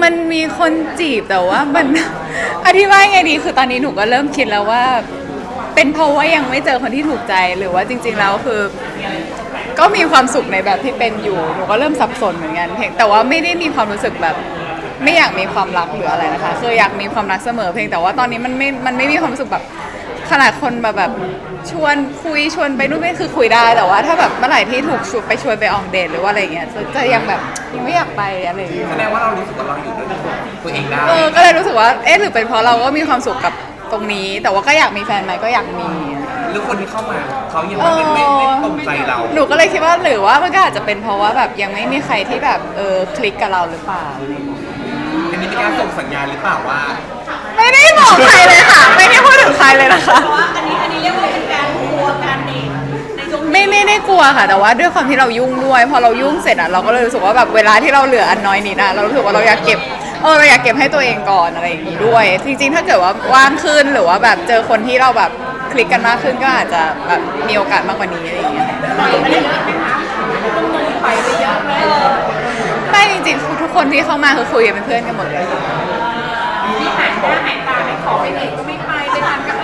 มันมีคนจีบแต่ว่ามัน อธิบายไงดีคือตอนนี้หนูก็เริ่มคิดแล้วว่า เป็นเพราะว่ายังไม่เจอคนที่ถูกใจหรือว่าจริงๆแล้วคือ ก็มีความสุขในแบบที่เป็นอยู่หนูก็เริ่มสับสนเหมือนกันเพียงแต่ว่าไม่ได้มีความรู้สึกแบบ ไม่อยากมีความรักหรืออะไรนะคะคืออยากมีความรักเสมอเพียงแต่ว่าตอนนี้มันไม่มีความรู้สึกแบบขนาดคนแบบชวนคุยชวนไปนู่นนี่คือคุยได้แต่ว่าถ้าแบบเมื่อไหร่ที่ถูกชวนไปออกเดทหรือว่าอะไรเงี้ยจะยังแบบยังไม่อยากไปอะไรอย่างเงี้ยแสดงว่าเรารู้สึกว่าเราอยู่ด้วยตัวเองได้ก็เลยรู้สึกว่าหรือเป็นเพราะเราก็มีความสุขกับตรงนี้ แต่ว่าก็อยากมีแฟนไหมก็อยากมีหรือคนที่เข้ามาเขายังไม่ตรงใจเราหนูก็เลยคิดว่าหรือว่ามันก็อาจจะเป็นเพราะว่าแบบยังไม่มีใครที่แบบคลิกกับเราหรือเปล่าอันนี้เป็นการส่งสัญญาณหรือเปล่าว่าไม่ได้บอกใครเลยค่ะไม่ได้พูดถึงใครเลยนะคะเพราะว่าอันนี้เรียกว่าเป็นการกลัวการเดทในช่วงนี้ไม่ได้กลัวค่ะแต่ว่าด้วยความที่เรายุ่งด้วยพอเรายุ่งเสร็จอ่ะเราก็เลยรู้สึกว่าแบบเวลาที่เราเหลืออันน้อยนิดอ่ะเรารู้สึกว่าเราอยากเก็บเราอยากเก็บให้ตัวเองก่อนอะไรอย่างงี้ด้วยจริงๆถ้าเกิดว่าว่างขึ้นหรือว่าแบบเจอคนที่เราแบบคลิกกันมากขึ้นก็อาจจะแบบมีโอกาสมากกว่านี้อะไรอย่างเงี้ยปล่อยไปเยอะไหมคะปล่อยไปเยอะไหมไม่จริงๆทุกคนที่เข้ามาคือคุยกันเป็นเพื่อนกันหมดเลยที่หายหน้าหายตาไม่ขอไปเดทก็ไม่ไปไปทานก็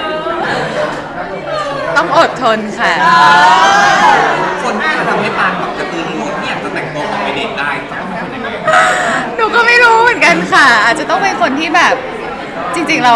ต้องอดทนค่ะคนที่จะทำให้ปานแบบกระตือรือร้นที่อยากจะแต่งตัวออกไปเดทได้ต้องเป็นคนยังไงหนูก็ไม่รู้เหมือนกันค่ะ อาจจะต้องเป็นคนที่แบบจริงๆเรา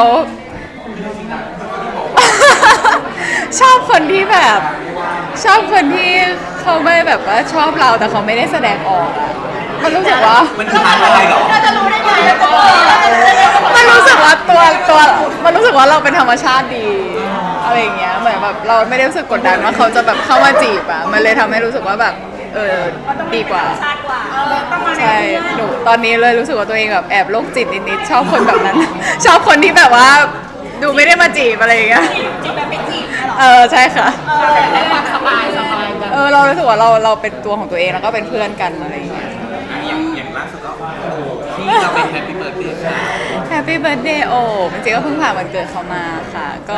ชอบคนที่แบบ ชอบคนที่เขาไม่แบบว่าชอบเราแต่เขาไม่ได้แสดงออกอะมันรู้สึกว่ามันคือทางอะไรเหรอเราจะรู้ได้ไงแล้วก็เราจะรู้ได้ไงว่ามันรู้สึกว่ามันรู้สึกว่าเราเป็นธรรมชาติดีอะไรอย่างเงี้ยเหมือนแบบเราไม่ได้รู้สึกกดดันว่าเขาจะแบบเข้ามาจีบอะมันเลยทำให้รู้สึกว่าแบบดีกว่าชาติกว่าต้องมาในใช่เพื่อนหนูตอนนี้เลยรู้สึกว่าตัวเองแบบแอบโรคจิตนิดๆชอบคนแบบนั้น ชอบคนที่แบบว่าดูไม่ได้มาจีบอะไรอย่างเงี้ยจีบแบบไม่จีบเนี่ยหรอใช่ค่ะให้ความสบายกันเรารู้สึกว่าเราเป็นตัวของตัวเองแล้วก็เป็นเพื่อนกันอะไรอย่างเงี้ยอย่างล่าสุดก็ที่เราเป็นแฮปปี้เบิร์ดเดย์ค่ะ Happy Birthday โอ้จริงๆก็เพิ่งผ่านวันเกิดเขามาค่ะก็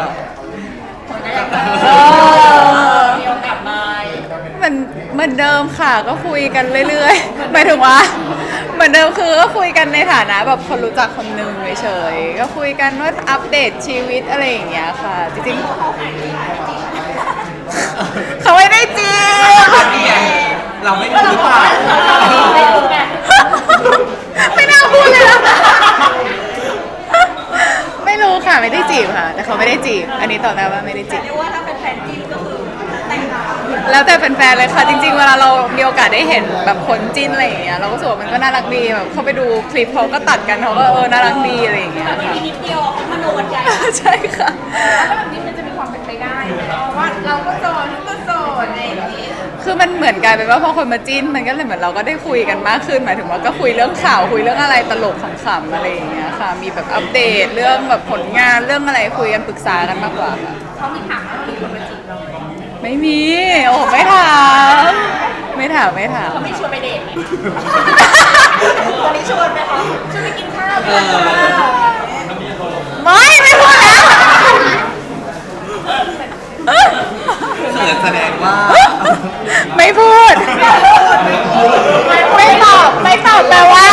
มีโอกาสมามันเหมือนเดิมค่ะก็คุยกันเรื่อยๆหมายถึงว่าเหมือนเดิมคือก็คุยกันในฐานะแบบคนรู้จักคนหนึ่งเฉยๆก็คุยกันว่าอัปเดตชีวิตอะไรอย่างเงี้ยค่ะจริงๆเขาไม่ได้จีบนี่ไงเราไม่รู้หรือเปล่าไม่รู้ไงไม่น่าพูดเลยนะไม่รู้ค่ะไม่ได้จีบค่ะ แต่เขาไม่ได้จีบ อันนี้ตอบได้ว่าไม่ได้จีบเรียกว่าถ้าเป็นแฟนจิ้นก็คือแต่งงานแล้วแต่แฟนๆเลยค่ะ จริงๆเวลาเรามีโอกาสได้เห็นแบบคนจิ้นอะไรอย่างเงี้ยเราก็รู้สึกว่ามันก็น่ารักดีแบบเขาไปดูคลิปเขาก็ตัดกันเขาก็น่ารักดีอะไรอย่างเงี้ยแบบค่ะนี้นิดเดียวเขามโนกันใหญ่ใช่ค่ะแล้วแบบนี้มันจะมีความเป็นไปได้ว่าเราก็โสดก็โสดอะไรอย่างนี้คือมันเหมือนกลายเป็นว่าพอคนมาจิ้นมันก็เลยเหมือนเราก็ได้คุยกันมากขึ้นหมายถึงว่าก็คุยเรื่องข่าวคุยเรื่องอะไรตลกขำๆอะไรอย่างเงี้ยค่ะ มีแบบอัปเดตเรื่องแบบผลงานเรื่องอะไรคุยกันปรึกษากันมากกว่าค่ะเขามีถามว่ามีคนมาจีบเราไหมไม่มีโอ้ไม่ถามไม่ถามเขาไม่ชวนไปเดทไหมตอนนี้ชวนไหมคะชวนไปกินข้าวกันไม่พูดแล้วเขินแสดงว่าไม่พูด ไม่ตอบแปลว่า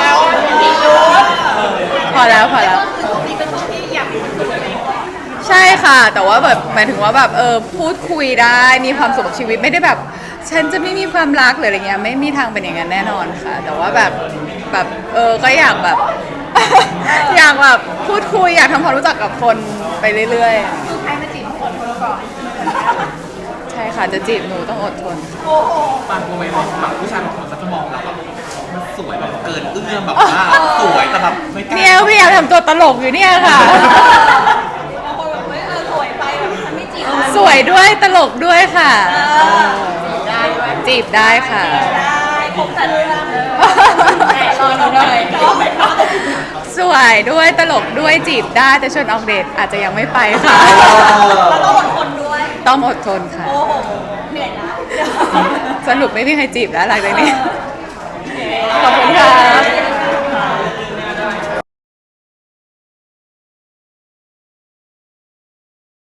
พอแล้วก็คือช่วงนี้เป็นช่วงที่อยากมีความสุขอะไรอย่างเงี้ยใช่ค่ะ แต่ว่าแบบหมายถึงว่าแบบพูดคุยได้มีความสุขกับชีวิตไม่ได้แบบ ฉันจะไม่มีความรักหรืออะไรเงี้ยไม่มีทางเป็นอย่างนั้นแน่นอนค่ะ แต่ว่าแบบก็อยากแบบ อยากแบบพูดคุยอยากทำความรู้จักกับคนไปเรื่อยใครมาจีบต้องอดทนก่อนๆ ใช่ค่ะจะจีบหนูต้องอดทนโอ้โหปานกลัวไหมว่าแบบผู้ชายบางคนเขาจะมองเราแบบมันสวยแบบเกินเอื้อมแบบว่าสวยแต่แบบไม่กล้าเนี่ยพยายามทำตัวตลกอยู่เนี่ยค่ะบางคนแบบเฮ้ยสวยไปแบบฉันไม่จีบนะสวยด้วยตลกด้วยค่ะได้ด้วยจีบได้ค่ะได้ครบแต่เรื่องแต่รอหน่อยก็ไม่รอสวยด้วยตลกด้วยจีบได้แต่ชวนออกเดทอาจจะยังไม่ไปค่ะเราต้องอดทนด้วยต้องอดทนค่ะโอ้โห เหนื่อยนะสรุปไม่มีใครจีบแล้วหลังจากนี้ ขอบคุณค่ะ